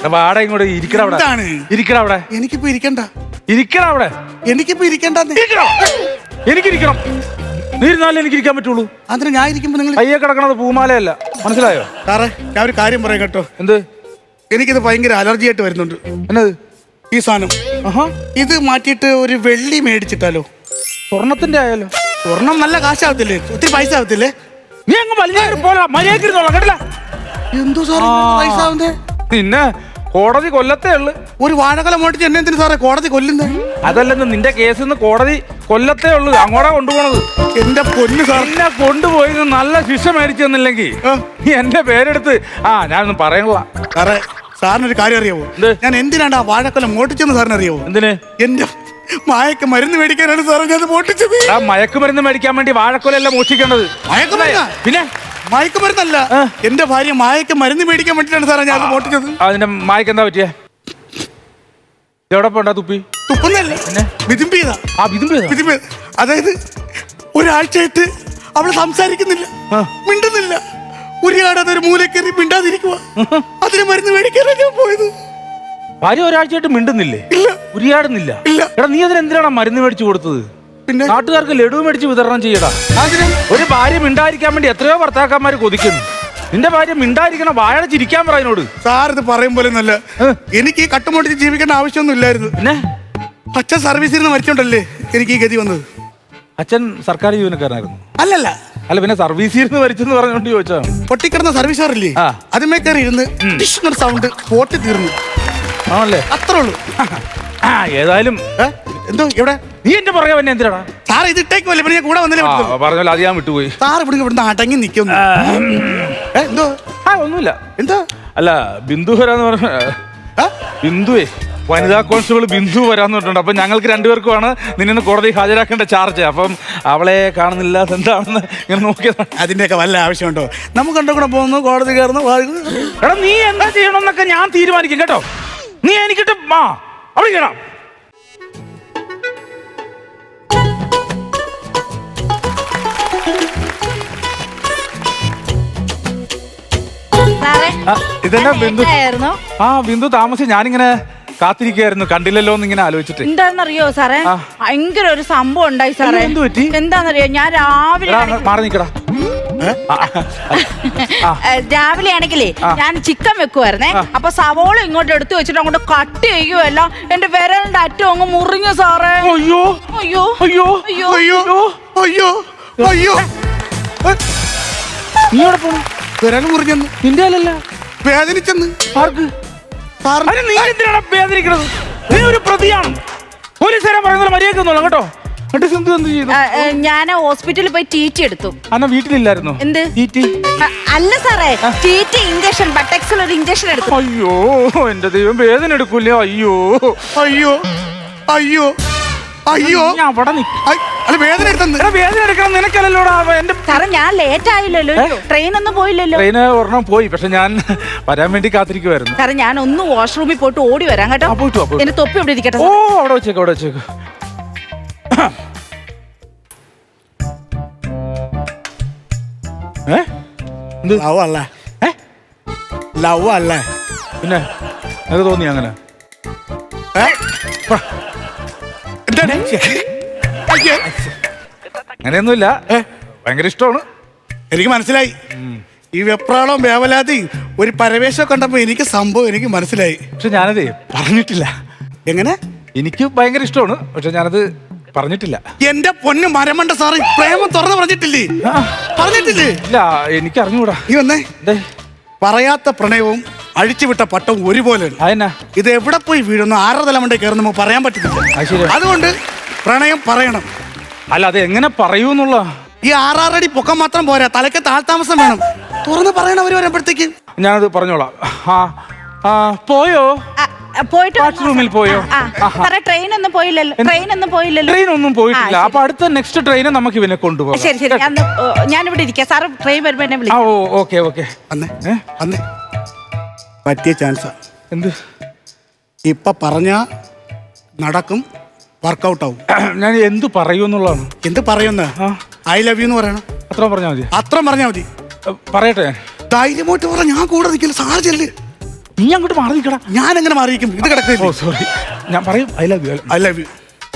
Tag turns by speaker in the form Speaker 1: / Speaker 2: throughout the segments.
Speaker 1: വാടക ഇങ്ങോട്ട് ഇരിക്കട അവിടെ. ഇരിക്കട അവിടെ.
Speaker 2: എനിക്കിപ്പോ ഇരിക്കണ്ട.
Speaker 1: ഇരിക്കട അവിടെ.
Speaker 2: എനിക്കിപ്പോ ഇരിക്കണ്ട.
Speaker 1: എനിക്കിരിക്കണം. നീ ഇരുന്നാലേ എനിക്ക് ഇരിക്കാൻ പറ്റുള്ളൂ.
Speaker 2: അതിന് ഞാൻ ഇരിക്കുമ്പോ നിങ്ങൾ
Speaker 1: കയ്യെ കിടക്കണത് പൂമാലയല്ല, മനസ്സിലായോ?
Speaker 2: സാറേ ഞാൻ ഒരു കാര്യം പറയാം കേട്ടോ.
Speaker 1: എന്ത്?
Speaker 2: എനിക്കിത് ഭയങ്കര അലർജി ആയിട്ട് വരുന്നുണ്ട്.
Speaker 1: എന്നത്
Speaker 2: ഈ സാധനം? ഇത് മാറ്റിയിട്ട് ഒരു വെള്ളി മേടിച്ചിട്ടാലോ?
Speaker 1: സ്വർണത്തിന്റെ ആയാലോ?
Speaker 2: സ്വർണം നല്ല കാശാവത്തില്ലേ? ഒത്തിരി പൈസ ആവത്തില്ലേ?
Speaker 1: നീ അങ്ങ് വലിയ പോലെ മര്യാദ കേട്ടില്ല.
Speaker 2: എന്തോ സാറേ പൈസ ആവുന്നേ?
Speaker 1: പിന്നെ കോടതി കൊല്ലത്തേ ഉള്ളു.
Speaker 2: ഒരു വാഴക്കല മോട്ടിച്ച് എന്നെ എന്തിനു സാറേ കോടതി കൊല്ലുന്നേ?
Speaker 1: അതല്ലെന്ന് നിന്റെ കേസിൽ കോടതി കൊല്ലത്തേ ഉള്ളു. അങ്ങോട്ടാ കൊണ്ടുപോണത്.
Speaker 2: എന്റെ പൊന്ന് സാർ,
Speaker 1: എന്നെ കൊണ്ടുപോയി നല്ല ശിക്ഷ മേടിച്ചു തന്നില്ലെങ്കിൽ നീ എന്റെ പേരെടുത്ത് ഞാനൊന്നും പറയണില്ല.
Speaker 2: സാറേ സാറിനൊരു കാര്യം അറിയാവോ? ഞാൻ എന്തിനാണ് ആ വാഴക്കൊല മോട്ടിച്ചെന്ന് സാറിന് അറിയാവോ? എന്തിന്? എന്റെ മയക്ക് മരുന്ന് മേടിക്കാനാണ് സാറേ ഞാൻ മോട്ടിച്ചത്.
Speaker 1: ആ മയക്കുമരുന്ന് മേടിക്കാൻ വേണ്ടി വാഴക്കൊലയല്ല മോഷിക്കേണ്ടത്. പിന്നെ
Speaker 2: മയക്കുമരുന്നല്ല, എന്റെ ഭാര്യ മായക്ക് മരുന്ന് മേടിക്കാൻ വേണ്ടിട്ടാണ് സാറേ ഞാൻ മോട്ടിച്ചത്.
Speaker 1: അതിന്റെ മായക്ക് എന്താ പറ്റിയ? എവിടെ പോണ്ടാ തുപ്പി?
Speaker 2: തുപ്പുന്നല്ല, വിതുമ്പിയതാ. അതായത് ഒരാഴ്ചയായിട്ട് അവള് സംസാരിക്കുന്നില്ല, മിണ്ടുന്നില്ല, ഉരിയാടാതെ ഒരു മൂലക്കേറി മിണ്ടാതിരിക്കുക. അതിന് മരുന്ന് മേടിക്കാനാണ് ഞാൻ പോയത്.
Speaker 1: ഭാര്യ ഒരാഴ്ചയായിട്ട് മിണ്ടുന്നില്ലേ?
Speaker 2: ഇല്ല.
Speaker 1: ഉരിയാടുന്നില്ല? എടാ നീ അതിനെന്തിനാണ് മരുന്ന് മേടിച്ചു കൊടുത്തത്?
Speaker 2: പിന്നെ
Speaker 1: നാട്ടുകാർക്ക് ലഡു മേടിച്ച് വിതരണം ചെയ്യടാ. ഒരു ഭാര്യ മിണ്ടായിരിക്കാൻ വേണ്ടി എത്രയോ ഭർത്താക്കന്മാര് കൊതിക്കുന്നു. നിന്റെ ഭാര്യ മിണ്ടായിരിക്കണം, വാഴ ചിരിക്കാൻ പറയുന്നോട്.
Speaker 2: സാർ ഇത് പറയും പോലെ ഒന്നല്ല, എനിക്ക് കട്ടുമോട്ടിച്ച് ജീവിക്കേണ്ട ആവശ്യമൊന്നും ഇല്ലായിരുന്നു. പിന്നെ അച്ഛൻ സർവീസിൽ നിന്ന് മരിച്ചോണ്ടല്ലേ എനിക്ക് ഈ ഗതി വന്നത്.
Speaker 1: അച്ഛൻ സർക്കാർ ജീവനക്കാരനായിരുന്നു?
Speaker 2: അല്ലല്ല.
Speaker 1: അല്ല പിന്നെ സർവീസിൽ നിന്ന് മരിച്ചെന്ന് പറഞ്ഞോണ്ട് ചോദിച്ചാ.
Speaker 2: പൊട്ടിക്കിടന്ന സർവീസ് സാറില്ലേ, അതിമേ കയറി ഇരുന്ന് സൗണ്ട് പോട്ടി തീർന്നു.
Speaker 1: ആണല്ലേ?
Speaker 2: അത്രേ ഉള്ളൂ.
Speaker 1: ഏതായാലും
Speaker 2: എന്തോ ഇവിടെ
Speaker 1: നീ എന്റെ പുറകെ പിന്നെ എന്തിനാടാ?
Speaker 2: സാർ ഇത് ഇട്ടേക്കുമല്ലേ, പിന്നെ കൂടെ വന്നില്ലേ?
Speaker 1: പറഞ്ഞല്ലോ അത് ഞാൻ വിട്ടുപോയി.
Speaker 2: സാർ ഇവിടുന്ന് അടങ്ങി നിൽക്കുന്നു. എന്തോ?
Speaker 1: ഒന്നുമില്ല.
Speaker 2: എന്താ?
Speaker 1: അല്ല ബിന്ദു വരാന്ന് പറഞ്ഞ ബിന്ദുവേ, വനിതാ കോൺസ്റ്റബിൾ ബിന്ദു വരാന്ന് പറഞ്ഞിട്ടുണ്ട്. അപ്പൊ ഞങ്ങൾക്ക് രണ്ടുപേർക്കുമാണ് നിന്നെ കോടതി ഹാജരാക്കേണ്ട ചാർജ്. അപ്പം അവളെ കാണുന്നില്ല, എന്താണെന്ന് ഇങ്ങനെ നോക്കിയതാണ്.
Speaker 2: അതിന്റെയൊക്കെ വല്ല ആവശ്യമുണ്ടോ? നമുക്ക് കണ്ടു കൂടെ പോകുന്നു, കോടതി കയറുന്നു.
Speaker 1: എടാ നീ എന്താ ചെയ്യണമെന്നൊക്കെ ഞാൻ തീരുമാനിക്കും കേട്ടോ. നീ എനിക്കിട്ട് അവിടെ ചെയ്യണം. ഇതെന്നാ ബിന്ദു? ബിന്ദു താമസിച്ച് ഞാനിങ്ങനെ കാത്തിരിക്കുകയായിരുന്നു, കണ്ടില്ലല്ലോ എന്ന് ഇങ്ങനെ ആലോചിച്ചിട്ട്.
Speaker 3: എന്താണെന്നറിയോ സാറേ, ഭയങ്കര ഒരു സംഭവം ഉണ്ടായി സാറേ.
Speaker 1: എന്ത് പറ്റി?
Speaker 3: എന്താണെന്നറിയോ, ഞാൻ
Speaker 1: മാറി നിക്കടാ.
Speaker 3: രാവിലെ ആണെങ്കിലേ ഞാൻ ചിക്കൻ വെക്കുവായിരുന്നേ. അപ്പൊ സവോള ഇങ്ങോട്ട് എടുത്തു വെച്ചിട്ട് അങ്ങോട്ട് കട്ട് ചെയ്യുമല്ല, എന്റെ വിരലിന്റെ അറ്റം അങ്ങ് മുറിഞ്ഞു സാറേ.
Speaker 1: അയ്യോ
Speaker 3: അയ്യോ
Speaker 1: അയ്യോ
Speaker 2: അയ്യോ അയ്യോ അയ്യോ.
Speaker 1: നീ എവിടെ പോണു?
Speaker 2: വിരൽ മുറിഞ്ഞെന്ന്.
Speaker 1: നിന്റെ അല്ലല്ല,
Speaker 2: വേദനിച്ചെന്ന്.
Speaker 1: ആർക്ക്? നീ എന്തിനാണ് വേദനിക്കണത്? നീ ഒരു പ്രതിയാണ്. പോലീസുകാരൻ പറയുന്നത് മര്യാദ കേട്ടോ.
Speaker 3: ഞാൻ ഹോസ്പിറ്റലിൽ പോയി ടീറ്റി എടുത്തു.
Speaker 1: അന്നാ വീട്ടിലില്ലായിരുന്നു?
Speaker 3: എന്ത് അല്ല സാറേ, ടീറ്റി ഇഞ്ചക്ഷൻ, ബട്ടക്സിൽ ഒരു ഇഞ്ചക്ഷൻ എടുത്തു.
Speaker 1: അയ്യോ എന്റെ ദൈവം, വേദന എടുക്കൂലേ? അയ്യോ
Speaker 2: അയ്യോ അയ്യോ അയ്യോ. വേദന
Speaker 1: എടുക്കണം നിനക്കല്ലോ.
Speaker 3: സാറേ ഞാൻ ലേറ്റ് ആയില്ലല്ലോ, ട്രെയിൻ ഒന്നും പോയില്ലല്ലോ.
Speaker 1: ട്രെയിന് ഒരെണ്ണം പോയി, പക്ഷെ ഞാൻ വരാൻ വേണ്ടി കാത്തിരിക്കുവായിരുന്നു.
Speaker 3: സാറേ ഞാൻ ഒന്ന് വാഷ്റൂമിൽ പോയിട്ട് ഓടി വരാം കേട്ടോ. എന്റെ തൊപ്പി ഇവിടെ ഇരിക്കട്ടെ.
Speaker 1: ഓ അവിടെ വെച്ചേക്ക്, അവിടെ വെച്ചേക്ക്.
Speaker 2: ലവ് അല്ലേ? ലവ് അല്ലേ?
Speaker 1: പിന്നെ അത് തോന്നി അങ്ങനെ? അങ്ങനെയൊന്നുമില്ല, ഭയങ്കര ഇഷ്ടമാണ്.
Speaker 2: എനിക്ക് മനസ്സിലായി. ഈ വെപ്രാളവും വേവലാതി ഒരു പരവേശം കണ്ടപ്പോ എനിക്ക് സംഭവം എനിക്ക് മനസ്സിലായി.
Speaker 1: പക്ഷെ ഞാനതേ പറഞ്ഞിട്ടില്ല.
Speaker 2: എങ്ങനെ?
Speaker 1: എനിക്ക് ഭയങ്കര ഇഷ്ടമാണ്, പക്ഷെ ഞാനത് പറഞ്ഞിട്ടില്ല.
Speaker 2: എന്റെ പൊന്ന് മരമണ്ട സാറ്, പ്രേമം തുറന്ന് പറഞ്ഞിട്ടില്ലേ? പറഞ്ഞിട്ടില്ലേ?
Speaker 1: ഇല്ല, എനിക്ക് അറിഞ്ഞൂടാ.
Speaker 2: നീ വന്നേ. പറയാത്ത പ്രണയവും അഴിച്ചുവിട്ട പട്ടവും ഒരുപോലെയാണ്.
Speaker 1: അതെന്നാ?
Speaker 2: ഇത് എവിടെ പോയി വീഴുന്നു, ആരുടെ തലമണ്ടേ കയറുന്നു നമുക്ക് പറയാൻ പറ്റത്തില്ല. അതുകൊണ്ട് പ്രണയം പറയണം.
Speaker 1: അല്ല അത് എങ്ങനെ പറയൂന്നുള്ള?
Speaker 2: ഈ 6 അടി പൊക്കം മാത്രം പോരാ, തലയ്ക്ക് താഴ്ത്താമസം വേണം. തുറന്ന് പറയണം അവര് വരുമ്പോഴത്തേക്ക്.
Speaker 1: ഞാനത് പറഞ്ഞോളാം. പോയോ?
Speaker 3: പോയിട്ട്
Speaker 1: വാഷ്റൂമിൽ പോയോ?
Speaker 3: ട്രെയിൻ ഒന്നും പോയില്ലല്ലോ.
Speaker 1: ട്രെയിൻ ഒന്നും പോയിട്ടില്ല. അപ്പൊ അടുത്ത നെക്സ്റ്റ് ട്രെയിന് നമുക്ക് ഇവനെ കൊണ്ടുപോകാം.
Speaker 3: ശരി ശരി, ഞാനിവിടെ ഇരിക്കാം. സാറ് ട്രെയിൻ വരുമ്പോ എന്നെ വിളിക്കാം.
Speaker 1: Okay okay.
Speaker 2: അന്നേ പറ്റിയ ചാൻസാ.
Speaker 1: എന്ത്?
Speaker 2: ഇപ്പൊ പറഞ്ഞ നടക്കും, വർക്കൗട്ട് ആവും.
Speaker 1: ഞാൻ എന്ത് പറയൂന്നുള്ളതാണ്.
Speaker 2: എന്ത് പറയുന്ന? ഐ ലവ് യു എന്ന് പറയണം.
Speaker 1: അത്ര പറഞ്ഞാൽ മതി?
Speaker 2: അത്ര പറഞ്ഞാൽ മതി.
Speaker 1: പറയട്ടെ?
Speaker 2: ധൈര്യമായിട്ട് പറ, ഞാൻ കൂടെ നിൽക്കില്ല. സാർ ചെല്ല്.
Speaker 1: നീ അങ്ങോട്ട് മാറി നിൽക്കടാ.
Speaker 2: ഞാൻ എങ്ങനെ മാറിയിരിക്കും? ഇത് കിടക്കില്ല.
Speaker 1: ഓ സോറി, ഞാൻ പറയും I love you.
Speaker 2: I love you.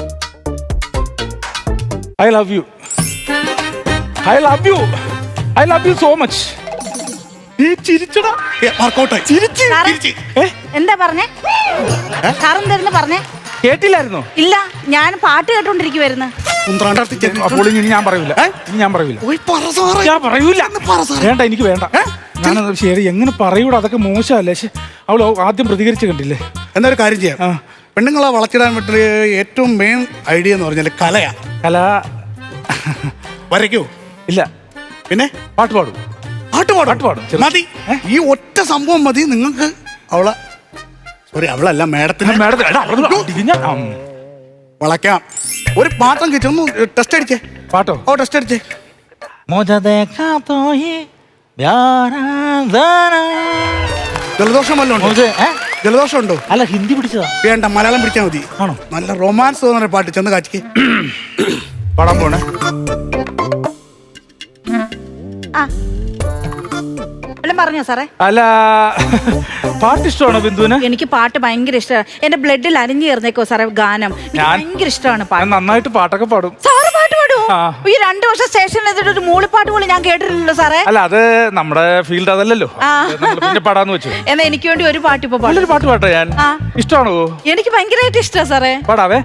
Speaker 1: I love you. I love you. I love you so much. നീ ചിരിച്ചടാ.
Speaker 2: വർക്കൗട്ടായി.
Speaker 1: ചിരിച്ച്.
Speaker 3: സാറേ,
Speaker 1: ഏ?
Speaker 3: എന്താ പറഞ്ഞേ? സാറെന്തായിരുന്നു പറഞ്ഞേ?
Speaker 1: കേട്ടില്ലായിരുന്നോ?
Speaker 3: ഇല്ല, ഞാൻ പാട്ട് കേട്ടോണ്ടിരിക്കുവായിരുന്നു.
Speaker 1: അപ്പോൾ ഇനി ഞാൻ പറയൂല. ഇനി ഞാൻ പറയൂല. ഞാൻ പറയൂല. വേണ്ട, എനിക്ക് വേണ്ട. ഞാനത് ശരി എങ്ങനെ പറയൂടാ, അതൊക്കെ മോശമല്ലേ. അവൾ ആദ്യം പ്രതികരിച്ച് കണ്ടില്ലേ.
Speaker 2: എന്നൊരു കാര്യം ചെയ്യാം. പെണ്ണുങ്ങളെ വളച്ചിടാൻ പറ്റിയ ഏറ്റവും മെയിൻ ഐഡിയ എന്ന് പറഞ്ഞാൽ കലയാ.
Speaker 1: കല
Speaker 2: വരയ്ക്കോ?
Speaker 1: ഇല്ല.
Speaker 2: പിന്നെ
Speaker 1: പാട്ട് പാടും.
Speaker 2: പാട്ട് പാടും മതി. ഈ ഒറ്റ സംഭവം മതി നിങ്ങൾക്ക് അവളെ. സോറി, അവളല്ല, മേഡത്തിന് വളയ്ക്കാം. ഒരു പാട്ടം കിട്ടി. ഒന്ന് ടെസ്റ്റ് അടിച്ചേ.
Speaker 1: പാട്ടോ?
Speaker 2: ഓ, ടെസ്റ്റ് അടിച്ചേ. ജലദോഷം വല്ലതും ഉണ്ടോ? ജലദോഷം ഉണ്ടോ?
Speaker 1: അല്ല, ഹിന്ദി പിടിച്ചതാ.
Speaker 2: വേണ്ട, മലയാളം പിടിച്ചാൽ മതി.
Speaker 1: ആണോ?
Speaker 2: നല്ല റൊമാൻസ് തോന്നുന്ന പാട്ട്. ചെന്ന് കാച്ചിക്ക്.
Speaker 1: പാടാൻ പോണേ.
Speaker 3: പറഞ്ഞോ സാറേ?
Speaker 1: അല്ല, പാട്ട് ഇഷ്ടമാണോ ബിന്ദുവിന്?
Speaker 3: എനിക്ക് പാട്ട് ഭയങ്കര ഇഷ്ടമാണ്. എന്റെ ബ്ലഡിൽ അലിഞ്ഞു ചേർന്നേക്കോ സാറേ ഗാനം. ഭയങ്കര ഇഷ്ടമാണ് പാട്ട്.
Speaker 1: നന്നായിട്ട് പാട്ടൊക്കെ പാടും.
Speaker 3: സാറ് പാട്ട് പാടുമോ? ഈ 2 വർഷം സ്റ്റേഷനിൽ എത്തിയിട്ട് ഒരു മൂളിപ്പാട്ട് പോലും ഞാൻ കേട്ടിട്ടില്ലല്ലോ സാറേ.
Speaker 1: അല്ല, അത് നമ്മുടെ ഫീൽഡ് അതല്ലല്ലോ. പിന്നെ പാടാന്ന് വെച്ചു.
Speaker 3: എന്നാ എനിക്ക് വേണ്ടി ഒരു പാട്ട് ഇപ്പൊ
Speaker 1: പാട്ട് പാട്ടെ. ഞാൻ ഇഷ്ടമാണോ?
Speaker 3: എനിക്ക് ഭയങ്കരമായിട്ട് ഇഷ്ടമാണ് സാറേ.
Speaker 1: പാടാവേ.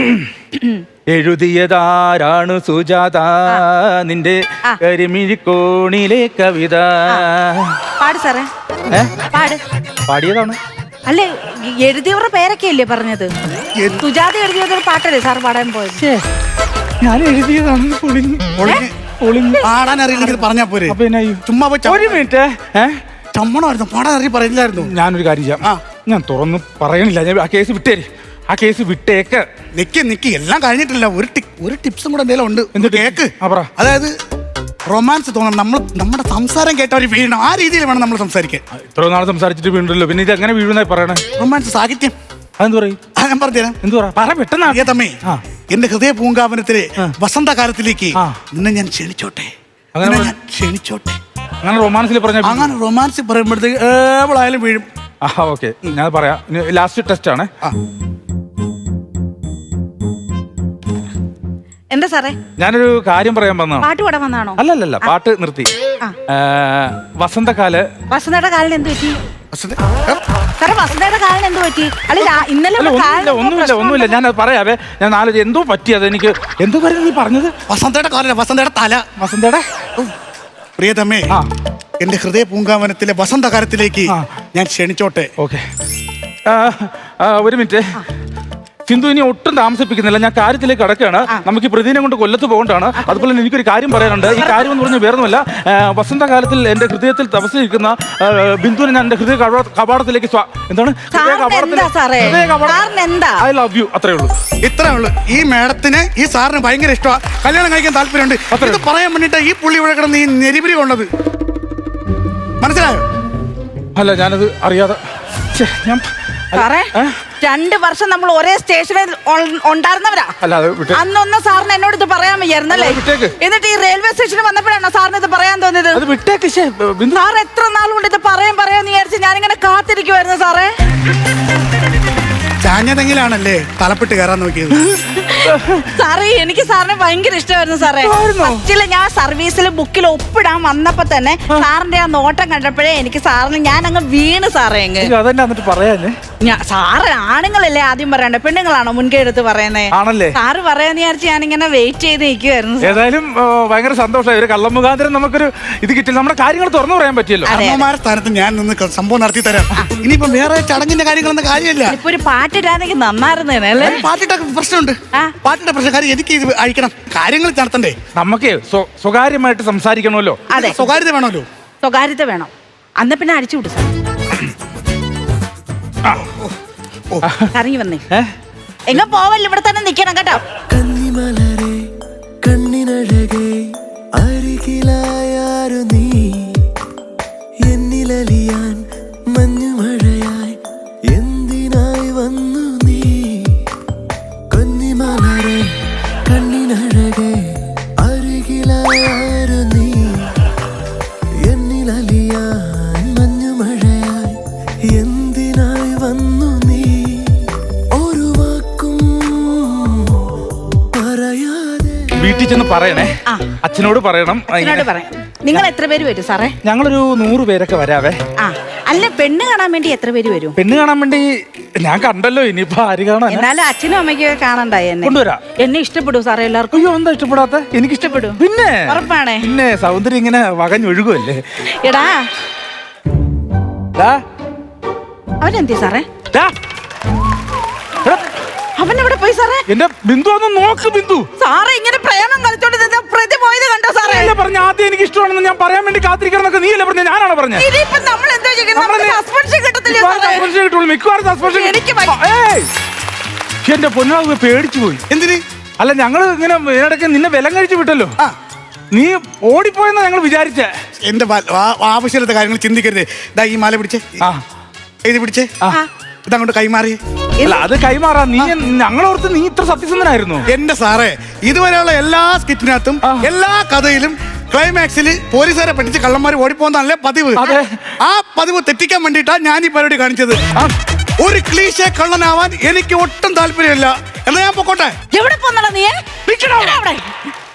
Speaker 1: എഴുതിയതാരാണ് സുജാത നിന്റെ കരിമിഴിക്കോണിലെ കവിത.
Speaker 3: പാട് സാറേ.
Speaker 1: പാടിയതാണ്.
Speaker 3: അല്ലേ, എഴുതിയവരുടെ പേരൊക്കെ അല്ലേ പറഞ്ഞത്? സുജാത എഴുതിയതൊരു പാട്ടല്ലേ സാർ പാടാൻ പോയത്?
Speaker 1: ഞാൻ എഴുതിയതാണെന്ന്
Speaker 2: പാടാൻ അറിയില്ലെങ്കിൽ പറഞ്ഞാ പോരെ. ചുമ്മാ
Speaker 1: ഒരു മിനിറ്റ്.
Speaker 2: ചമ്മണമായിരുന്നു, പാടാൻ അറിയി പറയില്ലായിരുന്നു.
Speaker 1: ഞാനൊരു കാര്യം ചെയ്യാം. ഞാൻ തുറന്ന് പറയണില്ല. ഞാൻ ആ കേസ് വിട്ടേര്. ആ കേസ് വിട്ടേക്ക്.
Speaker 2: നിക്ക് എല്ലാം കഴിഞ്ഞിട്ടില്ല. ഒരു ടിപ്സും കൂടെ എന്തെങ്കിലും ഉണ്ട്. എന്ത് കേക്ക്? അതായത് റൊമാൻസ് തോന്നണം. നമ്മുടെ സംസാരം കേട്ട ഒരു വീഴണം. ആ രീതിയിൽ വേണം നമ്മൾ സംസാരിക്കാൻ.
Speaker 1: ഇത്ര നാൾ സംസാരിച്ചിട്ട് വീണ്ടല്ലോ, പിന്നെ ഇത് എങ്ങനെ വീഴുന്നായി പറയണേ?
Speaker 2: റൊമാൻസ് സാഹിത്യം.
Speaker 1: അതെന്ത് പറയും?
Speaker 2: ഞാൻ പറഞ്ഞുതരാം.
Speaker 1: എന്ത് പറ പെട്ടെന്ന്.
Speaker 2: തമ്മേ, എന്റെ ഹൃദയ പൂങ്കാവനത്തിലെ വസന്തകാലത്തിലേക്ക് നിന്നെ ഞാൻ ക്ഷണിച്ചോട്ടെ.
Speaker 1: അങ്ങനെ റൊമാൻസിൽ പറഞ്ഞ
Speaker 2: അങ്ങനെ റൊമാൻസിൽ പറയുമ്പോഴത്തേക്ക് ഏവളായാലും വീഴും.
Speaker 1: ഓക്കെ, ഞാൻ പറയാം. ലാസ്റ്റ് ടെസ്റ്റ് ആണ്.
Speaker 3: എന്താ സാറേ?
Speaker 1: ഞാനൊരു കാര്യം പറയാൻ വന്നതാണ്.
Speaker 3: പാട്ട് പാടാൻ വന്നാണോ?
Speaker 1: അല്ലല്ല, പാട്ട് നിർത്തി. വസന്തയുടെ
Speaker 3: കാലിന് എന്ത് പറ്റി സാറേ? വസന്തയുടെ കാലിന് എന്ത് പറ്റി? അല്ല, ഇന്നലെ
Speaker 1: ഒന്നുമില്ല. ഞാൻ പറയാവേ. ഞാൻ നാല് എന്തോ പറ്റിയത്. എനിക്ക് എന്തോ കാര്യം നീ പറഞ്ഞത്?
Speaker 2: വസന്തയുടെ കാലല്ല, വസന്തയുടെ തല.
Speaker 1: വസന്തയുടെ
Speaker 2: പ്രിയതമേ, എന്റെ ഹൃദയ പൂങ്കാവനത്തിലെ വസന്തകാലത്തിലേക്ക് ഞാൻ ക്ഷണിച്ചോട്ടെ.
Speaker 1: ഓക്കെ, ഒരു മിനിറ്റ്. സിന്ധു ഇനി ഒട്ടും താമസിപ്പിക്കുന്നില്ല. ഞാൻ കാര്യത്തിലേക്ക് കടക്കുകയാണ്. നമുക്ക് പ്രതിനെ കൊണ്ട് കൊല്ലത്ത് പോകേണ്ടതാണ്. അതുപോലെ തന്നെ എനിക്കൊരു കാര്യം പറയാനുണ്ട്. ഈ കാര്യം എന്ന് പറഞ്ഞാൽ വേറൊന്നുമല്ല. വസന്തകാലത്തിൽ എന്റെ ഹൃദയത്തിൽ തപസ്സിരിക്കുന്ന ബിന്ദുവിനെ ഞാൻ എന്റെ ഹൃദയ കവാടത്തിലേക്ക് എന്താണ് ഐ ലവ് യു. അത്രേ ഉള്ളൂ.
Speaker 2: ഈ മേഡത്തിന് ഈ സാറിന് ഭയങ്കര ഇഷ്ടമാണ്. കല്യാണം കഴിക്കാൻ താല്പര്യമുണ്ട്. ഇത് പറയാൻ വേണ്ടിട്ട് ഈ പുള്ളി ഇവിടെ കിടന്ന് ഈ നെരിപിരി കൊണ്ടത് മനസ്സിലായോ?
Speaker 1: അല്ല, ഞാനത് അറിയാതെ. ഞാൻ
Speaker 3: 2 വർഷം നമ്മൾ ഒരേ സ്റ്റേഷനിൽ ഉണ്ടായിരുന്നവരാ. അന്നൊന്നും സാറിന് എന്നോട് ഇത് പറയാൻ വയ്യായിരുന്നല്ലേ? എന്നിട്ട് ഈ റെയിൽവേ സ്റ്റേഷനിൽ വന്നപ്പോഴാണോ സാറിന് ഇത് പറയാൻ തോന്നിയത്? സാർ എത്ര നാൾ കൊണ്ട് ഇത് പറയാന്ന് വിചാരിച്ച് ഞാനിങ്ങനെ കാത്തിരിക്കുവായിരുന്നു സാറേ.
Speaker 2: ചാഞ്ഞതെങ്കിലാണല്ലേ തലപ്പെട്ട് കയറാൻ നോക്കിയത്.
Speaker 3: സാറേ, എനിക്ക് സാറിനെ ഭയങ്കര ഇഷ്ടമായിരുന്നു സാറേ. ഫസ്റ്റില് ഞാൻ സർവീസിൽ ബുക്കിൽ ഒപ്പിടാൻ വന്നപ്പോ തന്നെ സാറിന്റെ ആ നോട്ടം കണ്ടപ്പോഴേ എനിക്ക് സാറിന് ഞാൻ അങ്ങ് വീണ് സാറേ. സാറ് ആണുങ്ങളല്ലേ ആദ്യം പറയണ്ടേ, പെണ്ണുങ്ങളാണോ മുൻകൈ എടുത്ത് പറയുന്നത്? സാറ് പറയാന്ന് വിചാരിച്ച് ഞാനിങ്ങനെ വെയിറ്റ് ചെയ്ത് നിൽക്കുവായിരുന്നു.
Speaker 1: ഏതായാലും ഭയങ്കര സന്തോഷമായി. ഒരു കള്ളം മുഖാന്തരം നമുക്കൊരു ഇത് കിട്ടില്ല. നമ്മുടെ കാര്യങ്ങൾ തുറന്നു പറയാൻ പറ്റിയല്ലോ.
Speaker 2: അമ്മമാരുടെ സ്ഥാനത്ത് ഞാൻ നിന്ന് സംഭവം നടത്തി തരാം. ഇനിയിപ്പോ വേറെ ചടങ്ങിന്റെ കാര്യങ്ങളൊന്നും കാര്യമില്ല.
Speaker 3: ഇപ്പൊ ഒരു പാട്ടിട്ടാണെങ്കിൽ നന്നായിരുന്നേ.
Speaker 2: പാട്ടിട്ടൊക്കെ പ്രശ്നമുണ്ട്. പാട്ടിന്റെ പ്രശ്നക്കാരി എനിക്ക് ഇത് അയക്കണം. കാര്യങ്ങൾ നടത്തണ്ടേ?
Speaker 1: നമുക്ക് സ്വകാര്യമായിട്ട് സംസാരിക്കണമല്ലോ.
Speaker 3: അതെ,
Speaker 2: സ്വകാര്യത വേണമല്ലോ.
Speaker 3: സ്വകാര്യത വേണം. അന്ന് പിന്നെ അടിച്ചു വിട്ടു സാർ. ഇറങ്ങി വന്നേ. എങ്ങ പോവല്ലോ, ഇവിടെ തന്നെ നിക്കണം കേട്ടോ.
Speaker 4: കന്നിമലരെ കണ്ണിനഴകേ അരികിലായാരു നീ എന്നിലലിയാൻ മഞ്ഞുമഴയായി എന്തിനായി വന്നു നീ? കന്നിമലരെ കണ്ണിനഴകേ അരികിലായാരു നീ എന്നിലലിയാൻ മഞ്ഞുമഴയായി എന്തിനായി
Speaker 1: വീട്ടിൽ ചെന്ന് പറയണേ.
Speaker 3: ആ.
Speaker 1: അച്ഛനോട് പറയണം.
Speaker 3: അച്ഛനോട് പറയാം. നിങ്ങൾ എത്ര പേര് വരും സാറേ?
Speaker 1: ഞങ്ങളൊരു 100 പേരൊക്കെ വരാവേ.
Speaker 3: ആ അല്ല, പെണ്ണ് കാണാൻ വേണ്ടി എത്ര പേര് വരും?
Speaker 1: പെണ്ണ് കാണാൻ വേണ്ടി ഞാൻ കണ്ടല്ലോ, ഇനിയിപ്പോ ആര് കാണാൻ?
Speaker 3: എന്നാലും അച്ഛനും അമ്മയ്ക്ക് കാണണ്ടായി എന്നെ.
Speaker 1: കൊണ്ടുവരാം.
Speaker 3: എന്നെ ഇഷ്ടപ്പെടും സാറേ എല്ലാവർക്കും?
Speaker 1: അയ്യോ, എന്താ ഇഷ്ടപ്പെടാത്ത? എനിക്ക് ഇഷ്ടപ്പെടും. പിന്നെ
Speaker 3: ഉറപ്പാണേ? പിന്നെ
Speaker 1: സൗന്ദര്യം ഇങ്ങനെ വകഞ്ഞൊഴുകുമല്ലേ.
Speaker 3: എടാ
Speaker 1: ദാ,
Speaker 3: അവനെന്തി സാറേ?
Speaker 1: ദാ. എടാ,
Speaker 3: അവൻ എവിടെ പോയി സാറേ?
Speaker 1: എന്റെ ബിന്ദു ഒന്ന് നോക്ക്. ബിന്ദു
Speaker 3: സാറേ ഇങ്ങനെ പ്രേമം കളിച്ചോണ്ട് നിന്ന പ്രതി പോയത് കണ്ടോ സാറേ?
Speaker 1: നീയല്ലേ പറഞ്ഞ ആദ്യം എനിക്ക് ഇഷ്ടമാണെന്ന് ഞാൻ പറയാൻ വേണ്ടി കാത്തിരിക്കണം എന്നൊക്കെ? നീയല്ലേ പറഞ്ഞ? ഞാനാണോ പറഞ്ഞത്?
Speaker 3: ഇനിയിപ്പോ നമ്മൾ എന്തോ ചെയ്യും? നമുക്ക് സസ്പെൻഷൻ കിട്ടത്തില്ലേ സാറേ?
Speaker 1: സസ്പെൻഷൻ കിട്ടുള്ളൂ, മിക്കവാറും സസ്പെൻഷൻ.
Speaker 3: എനിക്ക്
Speaker 1: എന്റെ പൊന്നാവ് പേടിച്ചു പോയി.
Speaker 2: എന്തിന്?
Speaker 1: അല്ല, ഞങ്ങള് ഇങ്ങനെ ഇതിനിടയ്ക്ക് നിന്നെ വിലം കഴിച്ചു വിട്ടല്ലോ. നീ ഓടിപ്പോയെന്നാ ഞങ്ങൾ വിചാരിച്ചേ.
Speaker 2: എന്റെ ആവശ്യമില്ലാത്ത കാര്യങ്ങൾ ചിന്തിക്കരുത്. ദാ ഈ മാല പിടിച്ചേ, ഇത് പിടിച്ചേ, ഇതങ്ങോട്ട് കൈമാറി.
Speaker 1: അല്ല, അത് കൈമാറാ. നീ ഞങ്ങളോർത്ത് നീ ഇത്ര സത്യസന്ധനായിരുന്നു.
Speaker 2: എന്റെ സാറേ, ഇതുവരെയുള്ള എല്ലാ സ്കിറ്റിനകത്തും എല്ലാ കഥയിലും ക്ലൈമാക്സിൽ പോലീസുകാരെ പഠിച്ച് കള്ളന്മാർ ഓടിപ്പോന്നല്ലേ പതിവ്. ആ പതിവ് തെറ്റിക്കാൻ വേണ്ടിയിട്ടാ ഞാൻ ഈ പരിപാടി കാണിച്ചത്. ഒരു ക്ലീശേ കള്ളനാവാൻ എനിക്ക് ഒട്ടും താല്പര്യമില്ല. എന്നാ ഞാൻ പൊക്കോട്ടെ.
Speaker 3: എവിടെ പോന്നടാ നീ?